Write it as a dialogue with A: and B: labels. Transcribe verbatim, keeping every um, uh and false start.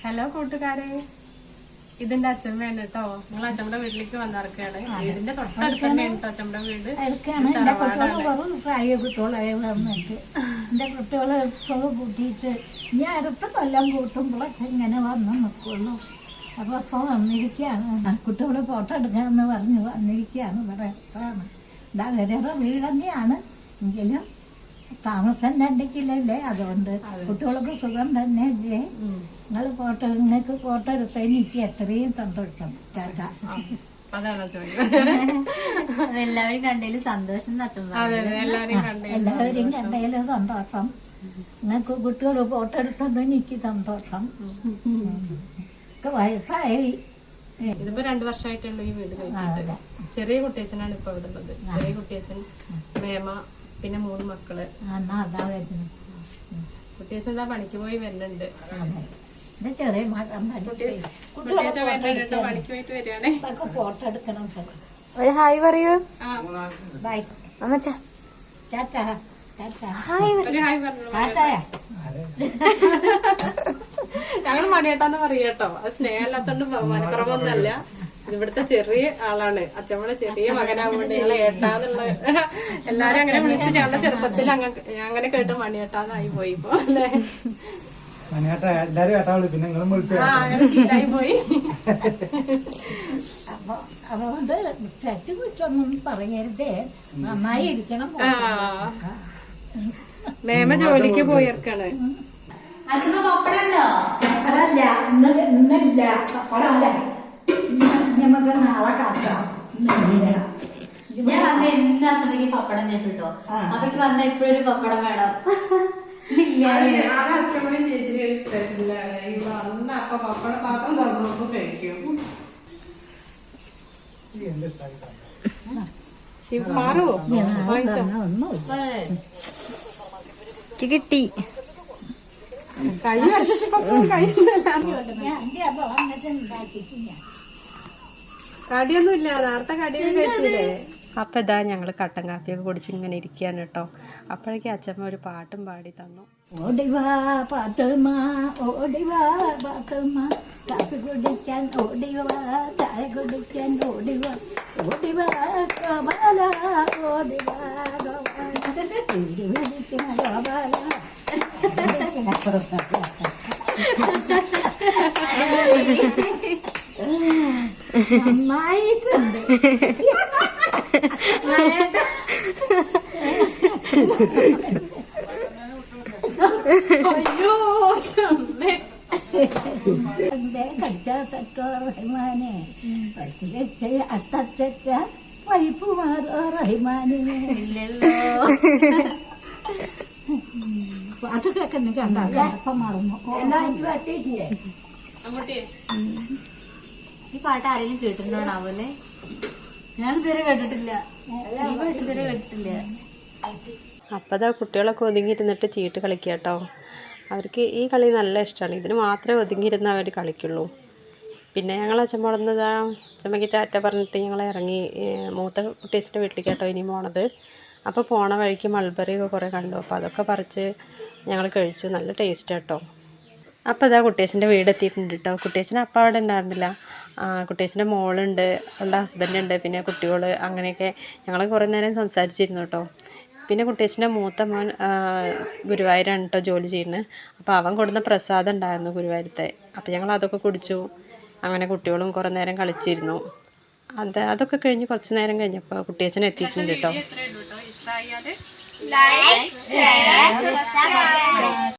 A: Hello കൂട്ടുകാരെ, ഇതിന്റെ അച്ഛമ്മയാണ് കേട്ടോ. നിങ്ങൾ അച്ഛമ്മയുടെ വീട്ടിലേക്ക് വന്നിറക്കാണ്. വീടിന്റെ തൊട്ടടുത്ത് തന്നെയാണ് കേട്ടോ അച്ഛമ്മയുടെ വീട്.
B: പ്രായ കുട്ടികളായി വന്നിട്ട് എന്റെ കുട്ടികളെ എപ്പോഴും കൂട്ടിയിട്ട് ഞാൻ അടുത്ത കൊല്ലം കൂട്ടുമ്പോഴൊക്കെ ഇങ്ങനെ വന്ന് നിൽക്കുള്ളൂ. അപ്പൊ അപ്പൊ വന്നിരിക്കുകയാണ്, കുട്ടികളെ ഫോട്ടോ എടുക്കാമെന്ന് പറഞ്ഞ് വന്നിരിക്കുകയാണ്. ഇവിടെ അടുത്താണ്, ഇതാ വേറെ വീട് തന്നെയാണ്, എങ്കിലും താമസം രണ്ടിക്കില്ലല്ലേ. അതുകൊണ്ട് കുട്ടികൾക്ക് സുഖം തന്നെ അല്ലേ. നിങ്ങൾ ഫോട്ടോ നിങ്ങൾക്ക് ഫോട്ടോ എടുത്താൽ എനിക്ക് എത്രയും സന്തോഷം. ചാച്ച
C: എല്ലാവരും കണ്ടതിലും സന്തോഷം.
B: എല്ലാവരും കണ്ടതിലും സന്തോഷം. നിങ്ങൾക്ക് കുട്ടികൾ ഫോട്ടോ എടുത്തത് എനിക്ക് സന്തോഷം. വയസ്സായി
A: ഇതിപ്പോ രണ്ടു വർഷമായിട്ടുള്ള ഈ വീട് കഴിച്ചിട്ട്. ചെറിയ കുട്ടിയച്ഛനാണ് ഇപ്പൊ ഇവിടെ ഉള്ളത്. ചെറിയ കുട്ടിയച്ഛൻ, മേമ, പിന്നെ മൂന്ന് മക്കള്. കുട്ടിയച്ഛൻ എന്താ പണിക്ക് പോയി വരുന്നുണ്ട്.
B: ചെറിയ
A: കുട്ടിയച്ഛൻ വരുന്നുണ്ട്, പണിക്ക് പോയിട്ട് വരികയാണേ.
B: ഫോട്ടോ എടുക്കണം.
C: ഒരു ഹായ് പറയൂ.
B: ബൈ
C: അമ്മച്ച.
B: ടാറ്റാ.
A: ഒരു ഹായ് പറഞ്ഞു. ഞങ്ങള് മണിയേട്ടാന്ന് പറയാട്ടോ. അത് സ്നേഹമില്ലാത്തോണ്ട് ബഹുമാനക്കുറവൊന്നുമല്ല. ഇവിടുത്തെ ചെറിയ ആളാണ്. അച്ഛമ്മയുടെ ചെറിയ മകനാവുകൊണ്ട് ഞങ്ങളെ ഏട്ടാന്നുള്ള എല്ലാരും അങ്ങനെ വിളിച്ച് ഞങ്ങളുടെ ചെറുപ്പത്തിൽ അങ്ങനെ കേട്ട് മണിയേട്ടാന്നായി പോയി ഇപ്പൊ അല്ലേ. അങ്ങനെ ശീലായി പോയി.
B: അപ്പൊ അതുകൊണ്ട് തെറ്റ് കുറ്റൊന്നും പറയരുതേ, നന്നായി ഇരിക്കണം.
A: മേമ ജോലിക്ക് പോയിരിക്കാണ്.
C: അച്ഛമ്മ പപ്പടം ഉണ്ടോ?
B: പപ്പടല്ല, ഇന്നില്ല. പപ്പടല്ല, നമുക്ക് നാളെ കാക്കാം.
C: ഞാൻ വന്ന എന്ത് അച്ഛമ്മക്ക് പപ്പടം നേപ്പിട്ടോ. അപ്പൊക്ക് പറഞ്ഞ ഇപ്പോഴൊരു പപ്പടം വേണം.
A: അച്ഛമ്മയും ചേച്ചിയുടെ ഒരു സ്പെഷ്യലാണ്. ഇവിടെ അന്ന് അപ്പൊ പപ്പടം മാത്രം തുറന്നപ്പോ കഴിക്കും. മാറുവോ?
C: കിട്ടി.
A: കൈ കടിയൊന്നും ഇല്ല, നേരത്തെ കടിയൊക്കെ കഴിച്ചില്ലേ. അപ്പൊ ഇതാ ഞങ്ങള് കട്ടൻ കാപ്പിയൊക്കെ കുടിച്ച് ഇങ്ങനെ ഇരിക്കുകയാണ് കേട്ടോ. അപ്പോഴേക്കും അച്ഛമ്മ ഒരു പാട്ടും പാടി തന്നു.
B: ഓടിവാ പാത്തുമ്മ, ഓടിവാ പാത്തുമ്മ, കാപ്പി കുടിക്കാൻ ഓടിവാ, ചായ കുടിക്കാൻ ഓടിവാ, ഓടിവാ ഗോപാല, ഓടിവാ ഗോപാല, പിടിപിടിക്കുന്ന ഗോപാല. നന്നായിട്ടുണ്ട്.
A: അയ്യോ
B: എന്റെ കച്ചാത്തോ റഹ്മാനെ, പച്ചിരച്ച് അത്തച്ച വൈപ്പുമാറോ റഹ്മാനെ. പാട്ട് കേൾക്കുന്ന കണ്ടാ അപ്പം മറന്നു.
C: ഈ പാട്ട് ആരെങ്കിലും കേട്ടിട്ടുണ്ടോണാവൂല്ലേ? ഞാൻ ഇതുവരെ കേട്ടിട്ടില്ല. ഈ പാട്ട് ഇതുവരെ കേട്ടിട്ടില്ല.
A: അപ്പതാ കുട്ടികളൊക്കെ ഒതുങ്ങിയിരുന്നിട്ട് ചീട്ട് കളിക്കുക കേട്ടോ. അവർക്ക് ഈ കളി നല്ല ഇഷ്ടമാണ്. ഇതിന് മാത്രമേ ഒതുങ്ങിയിരുന്ന അവർ കളിക്കുള്ളൂ. പിന്നെ ഞങ്ങൾ അച്ഛൻ പോടുന്നതാ അച്ഛമ്മയ്ക്ക് ടാറ്റ പറഞ്ഞിട്ട് ഞങ്ങൾ ഇറങ്ങി മൂത്ത കുട്ടീസിൻ്റെ വീട്ടിലേക്ക് കേട്ടോ ഇനി പോണത്. അപ്പോൾ പോണ വഴിക്ക് മൾബറി ഒക്കെ കുറേ കണ്ടു. അപ്പോൾ അതൊക്കെ പറിച്ച് ഞങ്ങൾ കഴിച്ചു. നല്ല ടേസ്റ്റ് കേട്ടോ. അപ്പോൾ ഇതാ കുട്ടീസിൻ്റെ വീട് എത്തിയിട്ടുണ്ട് കേട്ടോ. കുട്ടീസിന് അപ്പം അവിടെ ഉണ്ടായിരുന്നില്ല. കുട്ടീസിൻ്റെ മോളുണ്ട്, അവളുടെ ഹസ്ബൻഡുണ്ട്, പിന്നെ കുട്ടികൾ, അങ്ങനെയൊക്കെ ഞങ്ങൾ കുറേ നേരം സംസാരിച്ചിരുന്നു കേട്ടോ. പിന്നെ കുട്ടീസിൻ്റെ മൂത്ത മോൻ ഗുരുവായൂരാണ് കേട്ടോ ജോലി ചെയ്യുന്നത്. അപ്പോൾ അവൻ കൊടുന്ന പ്രസാദം ഉണ്ടായിരുന്നു ഗുരുവായൂരത്തെ. അപ്പോൾ ഞങ്ങൾ അതൊക്കെ കുടിച്ചു. അങ്ങനെ കുട്ടികളും കുറേ നേരം കളിച്ചിരുന്നു. അത് അതൊക്കെ കഴിഞ്ഞ് കുറച്ച് നേരം കഴിഞ്ഞപ്പോൾ കുട്ടിയച്ഛൻ എത്തിയിട്ടുണ്ട് കേട്ടോ.